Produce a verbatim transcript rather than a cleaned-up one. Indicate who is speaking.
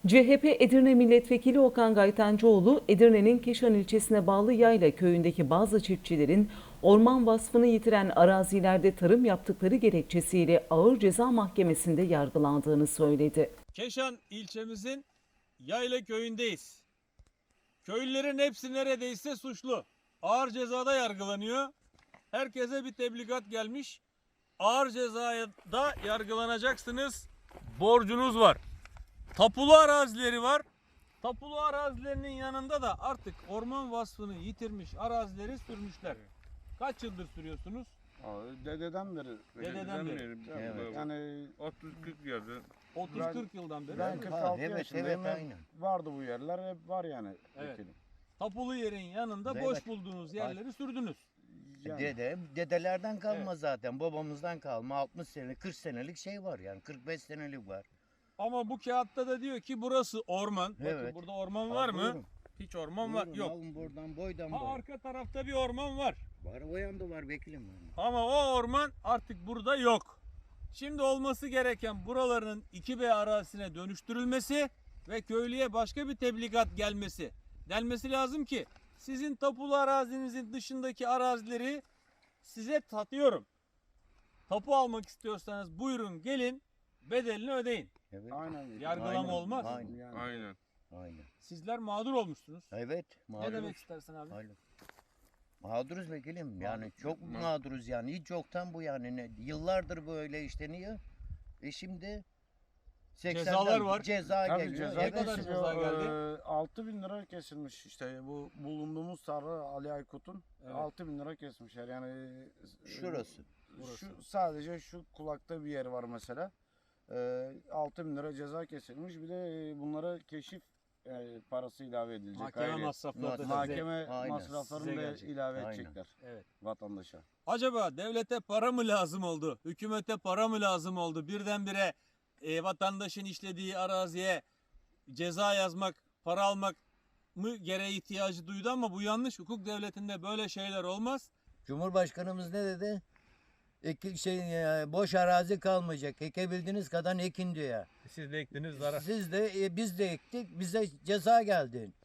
Speaker 1: C H P Edirne Milletvekili Okan Gaytancıoğlu, Edirne'nin Keşan ilçesine bağlı Yayla köyündeki bazı çiftçilerin orman vasfını yitiren arazilerde tarım yaptıkları gerekçesiyle Ağır Ceza Mahkemesi'nde yargılandığını söyledi.
Speaker 2: Keşan ilçemizin Yayla köyündeyiz. Köylülerin hepsi neredeyse suçlu. Ağır cezada yargılanıyor. Herkese bir tebligat gelmiş. Ağır cezaya da yargılanacaksınız. Borcunuz var. Tapulu arazileri var. Tapulu arazilerinin yanında da artık orman vasfını yitirmiş arazileri sürmüşler. Kaç yıldır sürüyorsunuz?
Speaker 3: Abi, dededen beri.
Speaker 2: Dededen beri.
Speaker 3: Evet. Yani
Speaker 4: otuz kırk yıldır.
Speaker 2: otuz kırk yıldan beri.
Speaker 3: ben kırk altı
Speaker 5: evet,
Speaker 3: yaşındayım.
Speaker 5: evet,
Speaker 3: hep
Speaker 5: aynen.
Speaker 3: vardı bu yerler, hep var yani.
Speaker 2: Evet.
Speaker 3: vekilim.
Speaker 2: Tapulu yerin yanında
Speaker 5: Evet.
Speaker 2: boş bulduğunuz yerleri sürdünüz.
Speaker 3: Yani,
Speaker 5: Dede, dedelerden kalma
Speaker 2: Evet.
Speaker 5: zaten. Babamızdan kalma altmış senelik, kırk senelik şey var yani. kırk beş senelik var.
Speaker 2: Ama bu kağıtta da diyor ki burası orman. Bakın
Speaker 5: Evet.
Speaker 2: burada orman var mı?
Speaker 5: Buyurun,
Speaker 2: Hiç orman var.
Speaker 5: buyurun,
Speaker 2: Yok.
Speaker 5: alın buradan boydan
Speaker 2: Ha,
Speaker 5: boya.
Speaker 2: arka tarafta bir orman var.
Speaker 5: Var o yanda var vekilim.
Speaker 2: Ama o orman artık burada yok. Şimdi olması gereken buraların iki B arazisine dönüştürülmesi ve köylüye başka bir tebligat gelmesi. Denmesi lazım ki sizin tapulu arazinizin dışındaki arazileri size satıyorum. Tapu almak istiyorsanız buyurun gelin, bedelini ödeyin.
Speaker 5: Evet.
Speaker 3: aynen. vekilim.
Speaker 2: Yargılama
Speaker 5: Aynen,
Speaker 2: olmaz.
Speaker 5: Aynen.
Speaker 3: Yani,
Speaker 4: Aynen.
Speaker 5: Aynen.
Speaker 2: Sizler mağdur olmuşsunuz.
Speaker 5: Evet.
Speaker 2: Ne
Speaker 5: Mağduruz.
Speaker 2: demek istersin abi?
Speaker 5: Aynen. Mağduruz vekilim. Yani
Speaker 2: Mağdur.
Speaker 5: çok
Speaker 4: Ma-
Speaker 5: mağduruz yani. Hiç yoktan bu yani. Ne, yıllardır böyle işte niye? E şimdi seksenden
Speaker 2: Cezalar var.
Speaker 5: Ceza
Speaker 3: Tabii
Speaker 5: geliyor.
Speaker 3: ceza
Speaker 2: Ne kadar
Speaker 5: Evet.
Speaker 3: kesiliyor.
Speaker 2: ceza geldi?
Speaker 3: Ee, altı bin lira kesilmiş işte bu bulunduğumuz tarla Ali Aykut'un
Speaker 2: Evet.
Speaker 3: altı bin lira kesmişler yani. e,
Speaker 5: Şurası.
Speaker 3: Şu sadece şu kulakta bir yer var mesela. Ee, altı bin lira ceza kesilmiş. Bir de e, bunlara keşif e, parası ilave edilecek.
Speaker 2: Mahkeme
Speaker 3: ayrı.
Speaker 2: masrafları da size-
Speaker 3: Mahkeme
Speaker 5: Aynen.
Speaker 3: masraflarını
Speaker 2: Size
Speaker 3: da
Speaker 2: gelecek.
Speaker 3: ilave
Speaker 5: Aynen.
Speaker 3: edecekler
Speaker 2: Evet.
Speaker 3: vatandaşa.
Speaker 2: Acaba devlete para mı lazım oldu? Hükümete para mı lazım oldu? Birdenbire e, vatandaşın işlediği araziye ceza yazmak, para almak mı gereği ihtiyacı duydu ama bu yanlış. Hukuk devletinde böyle şeyler olmaz.
Speaker 5: Cumhurbaşkanımız ne dedi? Eki, şey, e, boş arazi kalmayacak. Ekebildiğiniz kadar ekin diyor.
Speaker 2: Siz de ektiniz
Speaker 5: Siz de e, biz de ektik. Bize ceza geldi.